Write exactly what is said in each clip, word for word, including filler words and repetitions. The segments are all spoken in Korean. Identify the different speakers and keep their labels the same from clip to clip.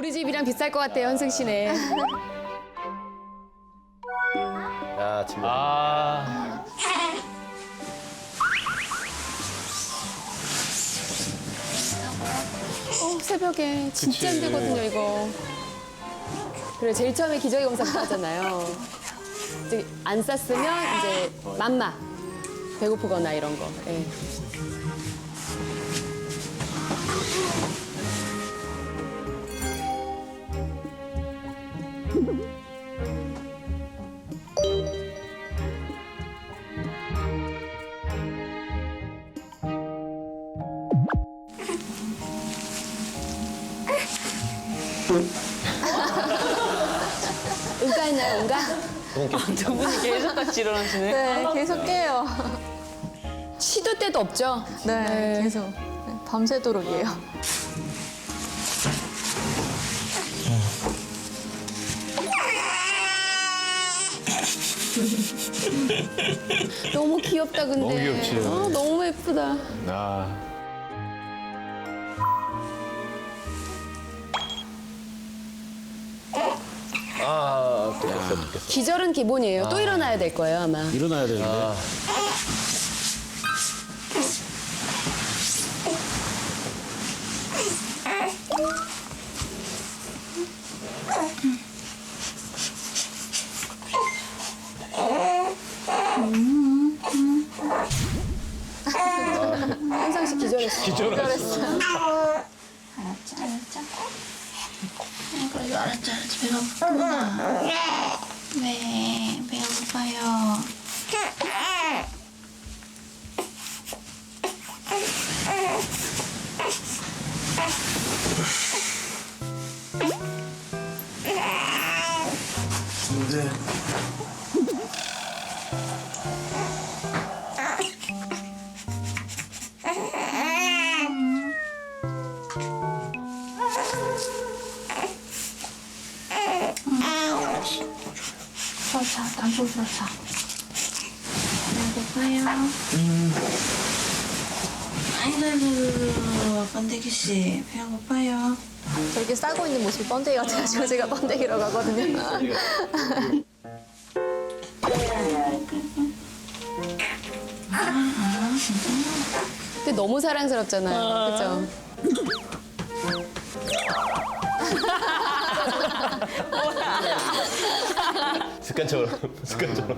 Speaker 1: 우리 집이랑 비쌀 것 같아요, 현승 씨네.
Speaker 2: 야, 지금.
Speaker 3: 아.
Speaker 1: 어, 새벽에 진짜
Speaker 3: 그치.
Speaker 1: 힘들거든요, 이거. 그래, 제일 처음에 기저귀 검사부터 하잖아요. 이제 안 쌌으면 이제 맘마. 배고프거나 이런 거. 예. 응가했나요, 응가?
Speaker 4: 두 분이 계속 같이 일어나시네.
Speaker 5: 네, 계속 깨요.
Speaker 1: 시도 때도 없죠?
Speaker 5: 네, 계속. 네, 밤새도록이에요.
Speaker 1: 너무 귀엽다, 근데.
Speaker 3: 너무 귀엽지.
Speaker 1: 어, 너무 예쁘다.
Speaker 3: 아.
Speaker 2: 아, 좋겠어, 좋겠어.
Speaker 1: 기절은 기본이에요. 또 일어나야 될 거예요, 아마.
Speaker 6: 일어나야 되는데.
Speaker 2: 아,
Speaker 1: 현상 씨 기절했어.
Speaker 3: 기절했어.
Speaker 7: 알았지, 알았지. 그래도 알았지, 알았지. 배가 고프구나. 네, 배가 고파요. 좋다, 단풍 좋다. 배가 고파요. 아이고, 아이고, 번데기 씨, 배가 고파요.
Speaker 5: 저렇게 싸고 있는 모습이 번데기 같아가지고 제가 번데기라고 하거든요.
Speaker 1: 근데 너무 사랑스럽잖아요. 그죠?
Speaker 2: 습관처럼, 습관처럼.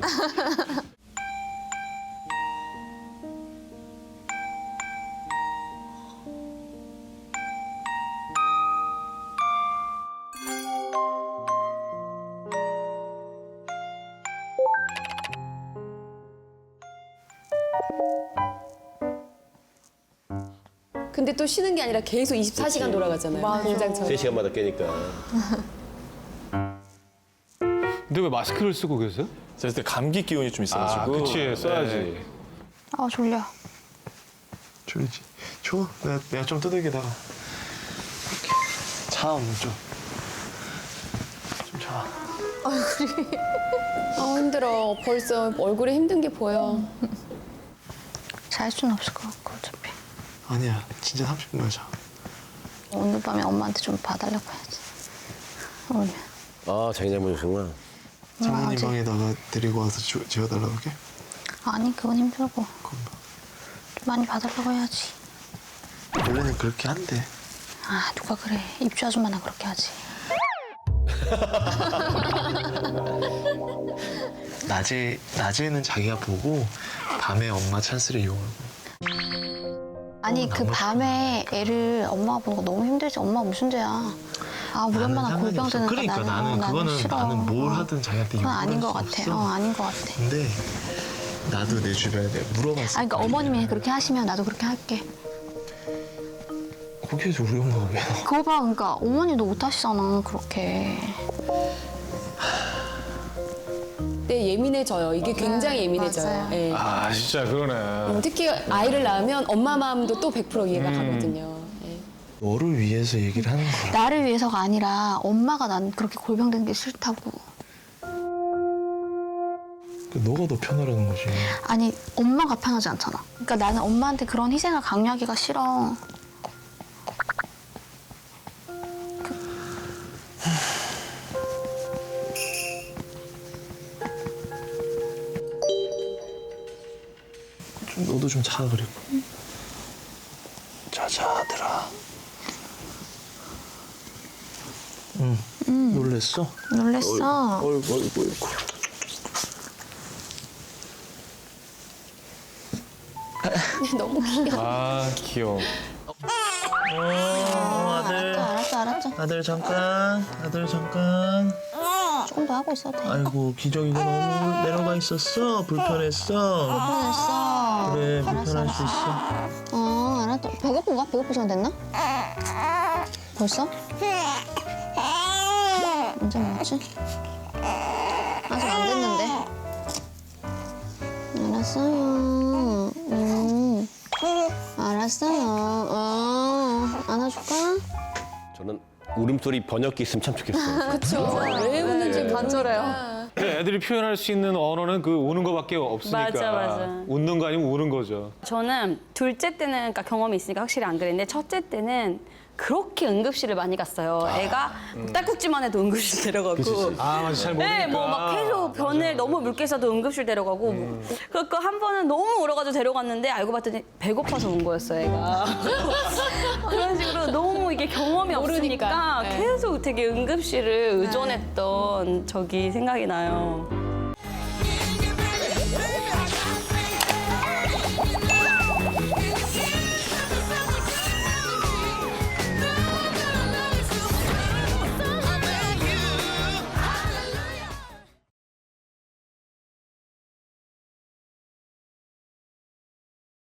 Speaker 1: 근데 또 쉬는 게 아니라 계속 이십사 시간 돌아가잖아요.
Speaker 5: 맞아.
Speaker 1: 공장처럼.
Speaker 2: 세 시간마다 깨니까.
Speaker 3: 근데 왜 마스크를 쓰고 계세요?
Speaker 8: 제가 그때 감기 기운이 좀 있어가지고.
Speaker 3: 아, 그치. 써야지.
Speaker 8: 네.
Speaker 5: 아, 졸려.
Speaker 8: 졸리지. 줘. 내가, 내가 좀 두들기다가. 자, 오늘 좀. 좀 자.
Speaker 1: 아, 힘들어. 벌써 얼굴에 힘든 게 보여.
Speaker 5: 잘 수는 없을 것 같고, 어차피.
Speaker 8: 아니야. 진짜 삼십 분만 자.
Speaker 5: 오늘 밤에 엄마한테 좀 봐달라고 해야지. 오늘.
Speaker 2: 아, 자기 잘못이구나.
Speaker 8: 장모님
Speaker 5: 아직-
Speaker 8: 방에다가 데리고 와서 주, 재워달라고 해?
Speaker 5: 아니, 그건 힘들고.
Speaker 8: 그럼
Speaker 5: 좀 많이 봐달라고 해야지.
Speaker 8: 원래는 그렇게 한대.
Speaker 5: 아, 누가 그래. 입주 아줌마나 그렇게 하지.
Speaker 8: 낮에, 낮에는 자기가 보고 밤에 엄마 찬스를 이용하고.
Speaker 5: 아니, 그 밤에 애를 엄마가 보는 거 너무 힘들지. 엄마 무슨 죄야. 아, 우리 엄마랑
Speaker 8: 상관이
Speaker 5: 골병
Speaker 8: 없어.
Speaker 5: 드는 거
Speaker 8: 그러니까
Speaker 5: 나는,
Speaker 8: 나는
Speaker 5: 어,
Speaker 8: 그거는
Speaker 5: 싫어.
Speaker 8: 나는 뭘
Speaker 5: 어.
Speaker 8: 하든 자기한테
Speaker 5: 그건 아닌 것
Speaker 8: 요구할
Speaker 5: 같아.
Speaker 8: 수
Speaker 5: 어,
Speaker 8: 없어.
Speaker 5: 아닌 것 같아.
Speaker 8: 근데 나도 내 주변에 내가 물어봤어.
Speaker 5: 아니, 그러니까 어머님이 그렇게 하시면 나도 그렇게 할게.
Speaker 8: 거기에서 우리 엄마가 왜 나와?
Speaker 5: 그거 봐, 그러니까 어머니도 못 하시잖아, 그렇게.
Speaker 1: 네, 예민해져요. 이게 굉장히 예민해져요.
Speaker 5: 맞아요.
Speaker 1: 예.
Speaker 3: 아, 진짜 그러네.
Speaker 1: 음, 특히 아이를 낳으면 엄마 마음도 또 백 퍼센트 이해가
Speaker 3: 음.
Speaker 1: 가거든요. 예.
Speaker 8: 너를 위해서 얘기를 하는 거야.
Speaker 5: 나를 위해서가 아니라 엄마가 난 그렇게 골병되는 게 싫다고.
Speaker 8: 너가 더 편하라는 거지.
Speaker 5: 아니, 엄마가 편하지 않잖아. 그러니까 나는 엄마한테 그런 희생을 강요하기가 싫어.
Speaker 8: 잠도 좀 자 그리고. 자자 아들아. 응. 놀랬어?
Speaker 5: 놀랬어.
Speaker 8: 어이구 어이구 어이구.
Speaker 1: 너무 귀여워.
Speaker 3: 아 귀여워.
Speaker 8: 어 아들.
Speaker 5: 알았어, 알았어.
Speaker 8: 아들 잠깐. 아들 잠깐.
Speaker 5: 조금 더 하고 있어도 돼.
Speaker 8: 아이고 기저귀가 너무 내려가 있었어. 불편했어.
Speaker 5: 불편했어.
Speaker 8: 그래
Speaker 5: 알았어,
Speaker 8: 불편할 수 있어.
Speaker 5: 어, 알았다. 배고픈가? 배고플 시간 됐나? 벌써? 언제 먹었지? 아직 안 됐는데. 알았어요. 음. 알았어요. 어. 안아줄까?
Speaker 2: 저는 울음소리 번역기 있으면 참 좋겠어요.
Speaker 1: 그쵸. 왜 웃는지 간절해요.
Speaker 3: 근데 애들이 표현할 수 있는 언어는 그 우는 거밖에 없으니까.
Speaker 4: 맞아, 맞아.
Speaker 3: 웃는 거 아니면 우는 거죠.
Speaker 4: 저는 둘째 때는 그러니까 경험이 있으니까 확실히 안 그랬는데 첫째 때는 그렇게 응급실을 많이 갔어요. 애가 딸꾹질만 해도 응급실 데려가고.
Speaker 3: 아 맞아 잘 모르니까.
Speaker 4: 네, 뭐 막 계속 변을 너무 묽게 써도 응급실 데려가고. 뭐. 그러니까 한 번은 너무 울어가지고 데려갔는데 알고 봤더니 배고파서 운 거였어, 애가. 그런 식으로 너무 이게 경험이
Speaker 1: 모르니까.
Speaker 4: 없으니까
Speaker 1: 네.
Speaker 4: 계속 되게 응급실을 의존했던 적이 생각이 나요.